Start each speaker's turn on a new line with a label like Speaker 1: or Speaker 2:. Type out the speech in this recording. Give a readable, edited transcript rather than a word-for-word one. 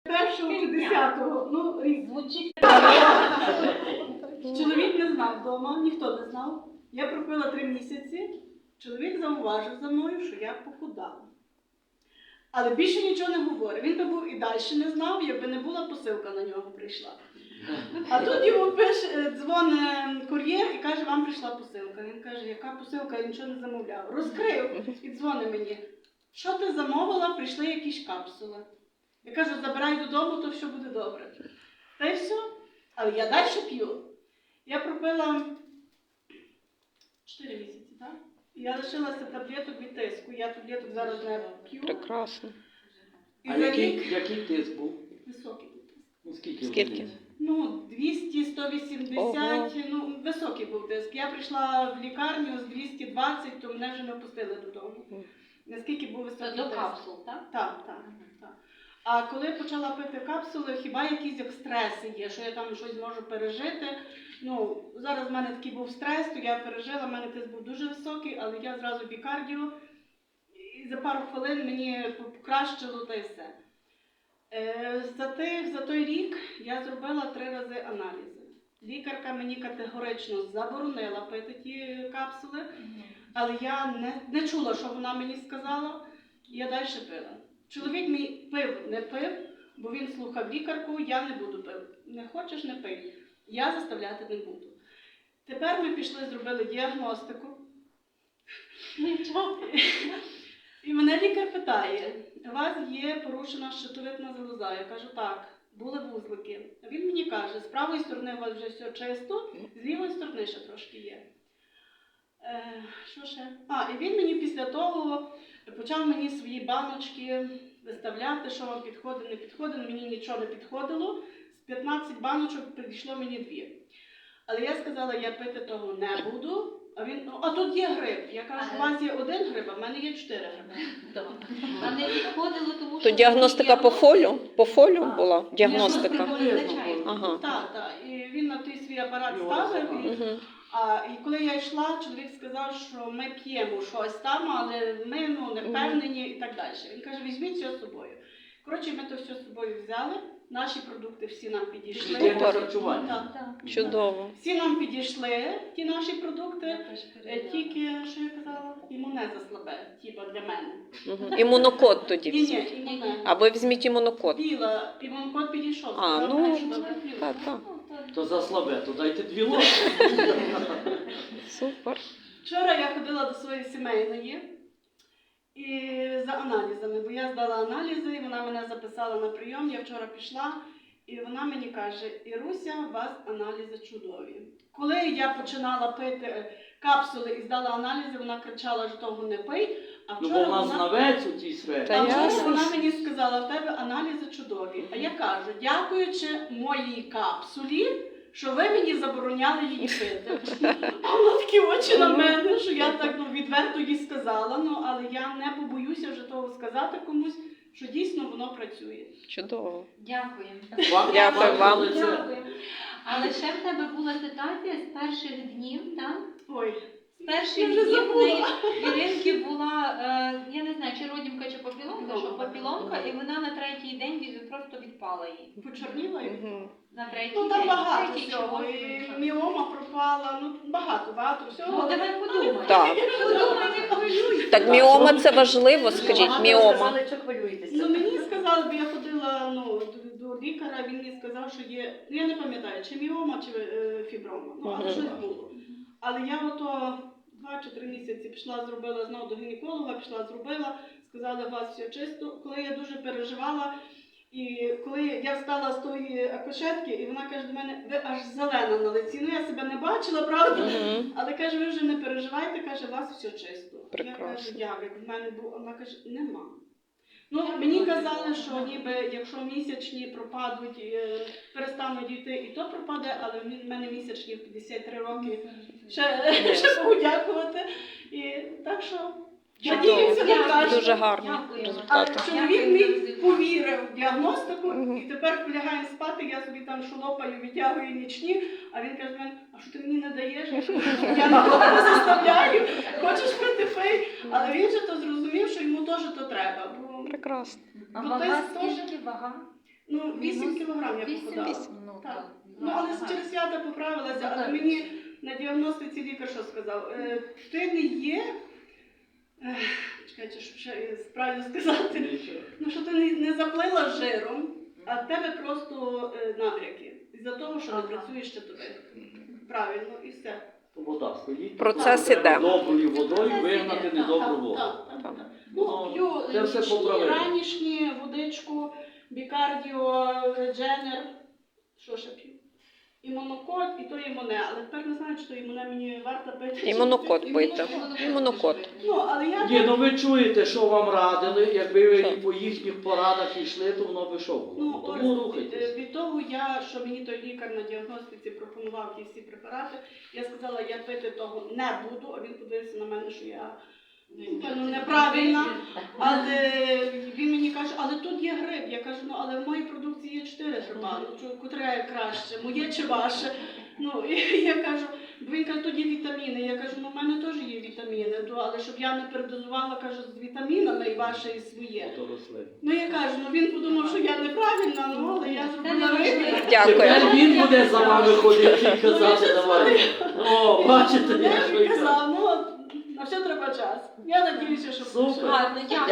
Speaker 1: Першого чи 10-го, ну, рік.
Speaker 2: Звучить.
Speaker 1: Чоловік не знав вдома, ніхто не знав. Я пропила 3 місяці, чоловік зауважив за мною, що я похудала. Але більше нічого не говорив. Він би був і далі не знав, якби не була посилка на нього прийшла. А тут йому дзвонить кур'єр і каже, вам прийшла посилка. Він каже, яка посилка, я нічого не замовляв. Розкрив і дзвонить мені. Що ти замовила, прийшли якісь капсули. Я кажу, забирай додому, то все буде добре. Та й все. Але я далі п'ю. Я пропила 4 місяці, так? І я лишилася таблеток від тиску. Я таблеток зараз не п'ю.
Speaker 3: Прекрасно.
Speaker 1: І
Speaker 4: А
Speaker 1: за
Speaker 4: який
Speaker 1: рік
Speaker 4: тиск був?
Speaker 1: високий був тиск.
Speaker 4: Ну, скільки?
Speaker 3: Скільки?
Speaker 1: Ну, 200, 180,
Speaker 3: Ого.
Speaker 1: ну, високий був тиск. Я прийшла в лікарню з 220, то мене вже не пустили додому. Наскільки був високий
Speaker 2: До
Speaker 1: тиск.
Speaker 2: капсул, так?
Speaker 1: Так, так, так. А коли почала пити капсули, хіба якісь як стреси є, що я там щось можу пережити. Ну, зараз в мене такий був стрес, то я пережила, в мене тиск був дуже високий, але я зразу бікардіо, і за пару хвилин мені покращило та й все. За той рік я зробила 3 рази аналізи. Лікарка мені категорично заборонила пити ті капсули, але я не чула, що вона мені сказала, і я далі пила. Чоловік мій пив, не пив, бо він слухав лікарку, я не буду пити. Не хочеш, не пий. Я заставляти не буду. Тепер ми пішли, зробили діагностику. І мене лікар питає, у вас є порушена щитовидна залоза? Я кажу, так, були вузлики. А він мені каже, з правої сторони у вас вже все чисто, з лівої сторони ще трошки є. Що ще? І він мені після того почав мені свої баночки виставляти, що вам підходить, не підходить. Мені нічого не підходило. З 15 баночок підійшло мені 2. Але я сказала, я пити того не буду. А він, а тут є гриб. Я кажу, у вас є 1 гриб, а в мене є 4 гриби.
Speaker 2: А не підходило, тому що...
Speaker 3: То діагностика по фолю? По фолю була діагностика?
Speaker 2: Ага.
Speaker 1: Так. І він на той свій апарат ставив. І коли я йшла, чоловік сказав, що ми п'ємо щось там, але ми не впевнені і так далі. Він каже, візьміть все з собою. Коротше, ми то все з собою взяли, наші продукти всі нам підійшли.
Speaker 4: Для харчування.
Speaker 1: Так.
Speaker 3: Чудово.
Speaker 1: Всі нам підійшли, ті наші продукти, тільки, що я казала, імуне заслабе, типа для мене.
Speaker 3: Імунокод тоді.
Speaker 1: Ні, імуне.
Speaker 3: А ви візьміть імунокод.
Speaker 1: Піла, імунокод підійшов.
Speaker 3: Так.
Speaker 4: То за слабе, то дайте 2 ложки.
Speaker 3: Супер.
Speaker 1: Вчора я ходила до своєї сімейної і за аналізами, бо я здала аналізи, і вона мене записала на прийом, я вчора пішла, і вона мені каже, Іруся, у вас аналізи чудові. Коли я починала пити капсули і здала аналізи, вона кричала, що того не пий, а
Speaker 4: Ну,
Speaker 1: вчора
Speaker 4: бо вона знавець у тій сфері.
Speaker 3: Та ясно.
Speaker 1: вона мені сказала, в тебе аналізи чудові. А я кажу, дякуючи моїй капсулі, що ви мені забороняли її пити. А вона такі очі на мене, що я так відверто їй сказала, але я не побоюся вже того сказати комусь, що дійсно воно працює.
Speaker 3: Чудово.
Speaker 2: Дякуємо.
Speaker 3: Дякую вам.
Speaker 2: Дякуємо. Але ще в тебе була ситуація з перших днів, так?
Speaker 1: Ой,
Speaker 2: З перших
Speaker 1: Я вже
Speaker 2: днів в
Speaker 1: забула.
Speaker 2: неї Іринки була, я не знаю, чи родімка, чи папіломка, що папіломка, і вона на 3-й день просто відпала їй.
Speaker 1: почорніла.
Speaker 2: На 3-й
Speaker 1: Ну
Speaker 2: день.
Speaker 1: там багато
Speaker 2: 3-й чи
Speaker 1: всього.
Speaker 2: 8-й.
Speaker 1: І міома пропала, багато всього.
Speaker 2: Ну, давай подумай.
Speaker 3: Так.
Speaker 2: Подумай, не хвилюйся.
Speaker 3: Так міома це важливо, скажіть, міома.
Speaker 1: Ну мені сказали, бо я ходила до лікаря, він мені сказав, що є, я не пам'ятаю, чи міома, чи фіброма, але щось було. Але я 2 чи 3 місяці пішла, зробила знову до гінеколога, пішла, зробила, сказали, у вас все чисто. Коли я дуже переживала, і коли я встала з тої акушетки, і вона каже до мене, ви аж зелена на лиці. Ну я себе не бачила, правда? Але каже, ви вже не переживайте, каже, у вас все чисто.
Speaker 3: Прекрасно.
Speaker 1: Я кажу, як в мене було, вона каже, нема. Ну, мені казали, що ніби, якщо місячні пропадуть, перестануть йти, і то пропаде, але в мене місячні в 53 роки. Ще Богу дякувати. І так що, надіюся на краще.
Speaker 3: Дуже гарні
Speaker 2: Дякую.
Speaker 1: А
Speaker 3: результати.
Speaker 1: чоловік мій повірив в діагностику, і тепер, коли лягаємо спати, я собі там шолопаю, відтягую нічні, а він каже, а що ти мені не даєш? Я нікого не заставляю, хочеш пити, пий. Але він же то зрозумів, що йому теж то треба.
Speaker 3: Прекрасно.
Speaker 2: А
Speaker 1: Ну,
Speaker 2: вага
Speaker 1: то есть
Speaker 2: скільки? Вага?
Speaker 1: Ну, 8 кілограм я похудала.
Speaker 2: Ну,
Speaker 1: Так.
Speaker 2: так.
Speaker 1: Ну, але через свята поправилася, але мені на діагностиці лікар що сказав? Ти не є, чекайте, щоб ще правильно сказати, ну, що ти не заплила жиром, а в тебе просто набряки. Із-за того, що не працюєш щитовидка. Правильно, і все.
Speaker 4: Вода стоїть.
Speaker 3: Процес
Speaker 4: Треба
Speaker 3: іде.
Speaker 4: Доброю водою вигнати
Speaker 1: Так,
Speaker 4: недобру
Speaker 1: так,
Speaker 4: воду.
Speaker 1: так.
Speaker 4: Ну,
Speaker 1: Ну, п'ю
Speaker 4: це все
Speaker 1: нічні,
Speaker 4: поправимо.
Speaker 1: ранішні, водичку, бікардіо, дженер, що ще п'ю? Імунокод, і то імуне, але тепер не знаю, чи то імуне мені варто пити.
Speaker 3: Імунокод пийте. Імунокод.
Speaker 1: Ну, але я
Speaker 4: Ні, ну ви чуєте, що вам радили, якби ви і по їхніх порадах йшли, то воно би що було.
Speaker 1: Ну,
Speaker 4: Тому
Speaker 1: ось,
Speaker 4: рухайтесь.
Speaker 1: від того, що мені той лікар на діагностиці пропонував ті всі препарати, я сказала, я пити того не буду, а він подивився на мене, що я неправильна. Але він мені каже, але тут є гриб. Я кажу, ну але в моїй продукції є 4 гриба, ну котре краще, моє чи ваше? Ну, і я кажу, бо він каже, тут є вітаміни. Я кажу, ну в мене теж є вітаміни, але щоб я не передозувала, кажу, з вітамінами і ваше, і своє.
Speaker 4: Ото росли.
Speaker 1: Ну я кажу, ну він подумав, що я неправильна, ну але я зробила вибір.
Speaker 3: Дякую.
Speaker 4: Тепер він буде за вами ходити і казати, давай. О, бачите,
Speaker 1: Я
Speaker 4: я
Speaker 1: ж
Speaker 4: що й
Speaker 1: казав, ну на все треба час. Я надіюся, що
Speaker 4: Супер.
Speaker 2: Гарно, дякую.